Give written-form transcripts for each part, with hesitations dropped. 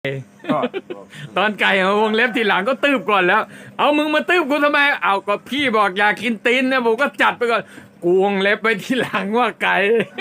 ก็ตอนไก่มาวงเล็บทีหลังก็ตืบก่อนแล้ว เอามึงมาตืบกูทำไมเอาก็พี่บอกอยากกินตีนนะผมก็จัดไปก่อนกูวงเล็บไปทีหลังว่าไก่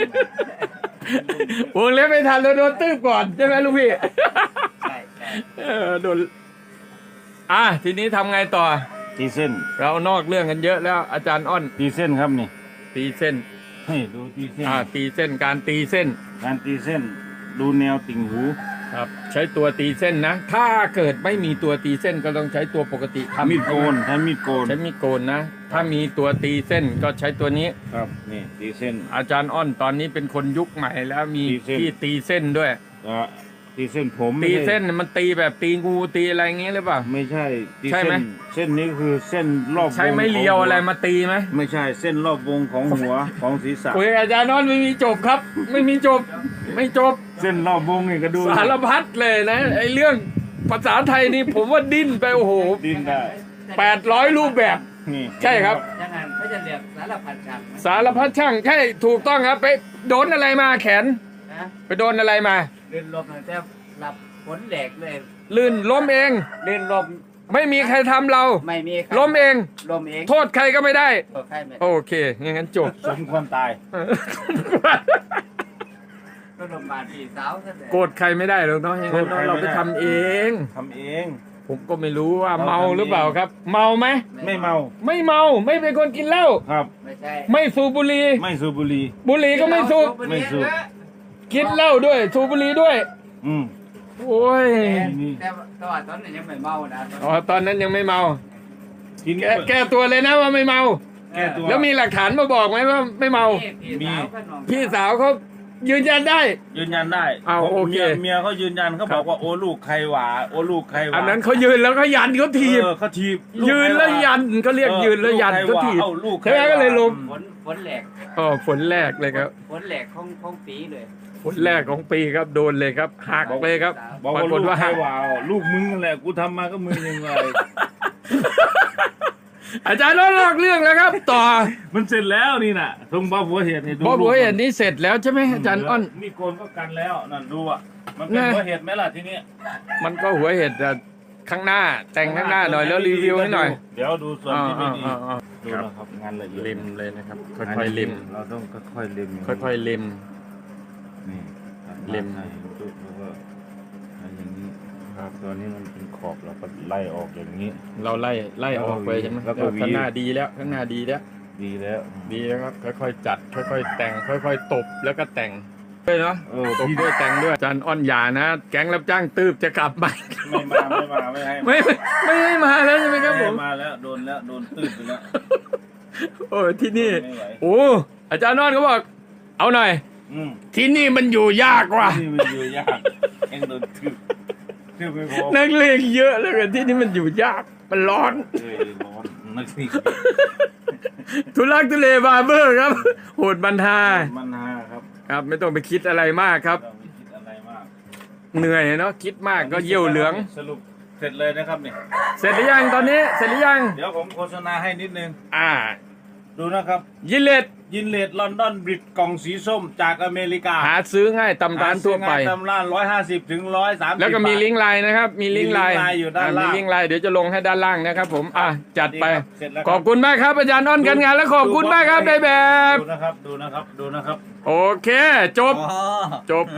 วงเล็บไม่ทันแล้วโดนตืบก่อนใช่ไหมลูกพี่ใช่โดนทีนี้ทำไงต่อตีเส้นเรานอกเรื่องกันเยอะแล้วอาจารย์อ้อนตีเส้นครับนี่ตีเส้นให้ดูตีเส้นตีเส้นการตีเส้นการตีเส้นดูแนวติ่งหูครับใช้ตัวตีเส้นนะถ้าเกิดไม่มีตัวตีเส้นก็ต้องใช้ตัวปกติทำมีดโกนใช้มีดโกนใช้มีดโกนนะ ถ้ามีตัวตีเส้นก็ใช้ตัวนี้ครับนี่ตีเส้นอาจารย์อ้อนตอนนี้เป็นคนยุคใหม่แล้วมีตีเส้นที่ตีเส้นด้วยตีเส้นผมตีไม่ใช่เส้นมันตีแบบตีงูตีอะไรอย่างเงี้ยหรือเปล่าไม่ใช่ตีใช่ไหมเส้นนี้คือเส้นรอบวงใช้ไม้เรียวอะไรมาตีไหมไม่ใช่เส้นรอบวงของหัวของศีรษะคุยกับอาจารย์อ้อนไม่มีจบครับ ไม่มีจบไม่จบเส้นรอบวงนี่ก็ดูสารพัดเลยนะไอ้เรื่องภาษาไทยนี่ผมว่าดิ้นไปโอ้โหดินได้ 800 รูปแบบนี่ใช่ครับยังไงเขาจะเรียกสารพัดช่างสารพัดช่างใช่ถูกต้องครับไปโดนอะไรมาแขนนะไปโดนอะไรมาเล่นลมแต่หลับฝนแหลกเลยลื่นล้มเองเล่นลมไม่มีใครทำเราไม่มีใครล้มเองลมเองโทษใครก็ไม่ได้โทษใครไม่โอเคอย่างนั้นจบสมควรตายก็ลมบาดพี่สาวซะแต่โกรธใครไม่ได้หรอกเนาะอย่างนั้นเนาะเราไปทำเองทำเองผมก็ไม่รู้ว่าเมาหรือเปล่าครับ เมาไหมไม่เมาไม่เมาไม่เป็นคนกินเหล้าครับไม่ใช่ไม่สูบบุหรี่ไม่สูบบุหรี่บุหรี่ก็ไม่สูบไม่สูบกินเหล้าด้วยสูบบุหรี่ด้วยอืมโอ้ยแต่ว่าตอนนั้นยังไม่เมานะอ๋อตอนนั้นยังไม่เมากินแก้ตัวเลยนะว่าไม่เมาแก้ตัวแล้วมีหลักฐานมาบอกไหมว่าไม่เมาพี่สาวก็นอนพี่สาวเขายืนยันได้ยืนยันได้เอาโอเคเมียเขายืนยันเขาบอกว่าโอ้ลูกใครหวาโอ้ลูกใครหวาอันนั้นเขายืนแล้วเขายันเขาถีบเขาทีบยืนแล้วยันเขาเรียกยืนแล้วยันเขาถีบลูกใช่ไหมก็เลยลงฝนแหลกอ๋อฝนแรกเลยครับฝนแหลกของปีเลยฝนแรกของปีครับโดนเลยครับหักเลยครับบอกปราว่ากฏลูกว่าใครหักหวาลูกมึงนั่นแหละกูทำมาก็มึงยังไงอาจารย์ลอกเรื่องแล้วครับ ต่อมันเสร็จแล้วนี่น่ะตรงบ้าหัวเห็ดนี่ดูเพราะหัวเห็ดนี้เสร็จแล้วใช่ไหมอาจารย์อ้อนมีโกนก็กันแล้วนั่นดูอ่ะมันเป็นนะหัวเห็ดไหมล่ะทีนี้มันก็หัวเห็ดแต่ข้างหน้าแต่งข้างหน้าหน่อยแล้วรีวิวให้หน่อยเดี๋ยวดูส่วนที่ไม่ดีอ่าดูนะครับงานละเอียดริมเลยนะครับ ค่อยๆริมเราต้องค่อยๆริมค่อยๆริมนี่ตัดริมให้ดูแล้วก็อย่างนี้ครับตัวนี้มันเป็นขอบเราก็ไล่ออกอย่างนี้เราไล่ออกไปใช่ไหมแล้วก็หวีข้างหน้าดีแล้วข้างหน้าดีแล้วดีแล้วดีแล้วครับค่อยๆจัดค่อยๆแต่งค่อยๆตบแล้วก็แต่งด้วยเนาะ ตบด้วยแต่งด้วยอาจารย์อ้อนหยานะ แก๊งรับจ้างตืบจะกลับมาไม่ให้ไม่ให้มาแล้วใช่ไหมครับผมมาแล้วโดนตื้นไปแล้วโอ้ยที่นี่ไม่ไหวโอ้อาจารย์อ้อนเขาบอก เอาหน่อยอืมที่นี่มันอยู่ยากว่ะนี่มันอยู่ยากเอ็งโดนทืบไม่พอนักเลงเยอะเลยที่นี่มันอยู่ยากมันร้อนเอ้ยร้อนนักสิทุลักทุเลบาร์เบอร์ครับ โหดบันทามันฮาครับครับไม่ต้องไปคิดอะไรมากครับเราไม่คิดอะไรมากเหนื่อยเนาะคิดมากก็เยี่ยวเหลืองสรุปเสร็จเลยนะครับนี่เสร็จหรือยังตอนนี้เสร็จหรือยังเดี๋ยวผมโฆษณาให้นิดนึง ดูนะครับยินเลตยินเลดลอนดอนบริดกล่องสีส้มจากอเมริกาหาซื้อง่ายตำร้านทั่วไปหซื้อง่ายตำร้าน150 ถึง 130 แล้วก็มีลิงก์ไลน์นะครับ มีลิงก์ไลน์มีลิงก์ไลน์อยู่ด้านล่างมีลิงก์ไลน์เดี๋ยวจะลงให้ด้านล่างนะครับผมจัดไปเสร็จแล้วขอบคุณมากครับอาจารย์อ้อนกันงานและขอบคุณมากครับในแบบดูนะครับโอเค จบอ๋อจบ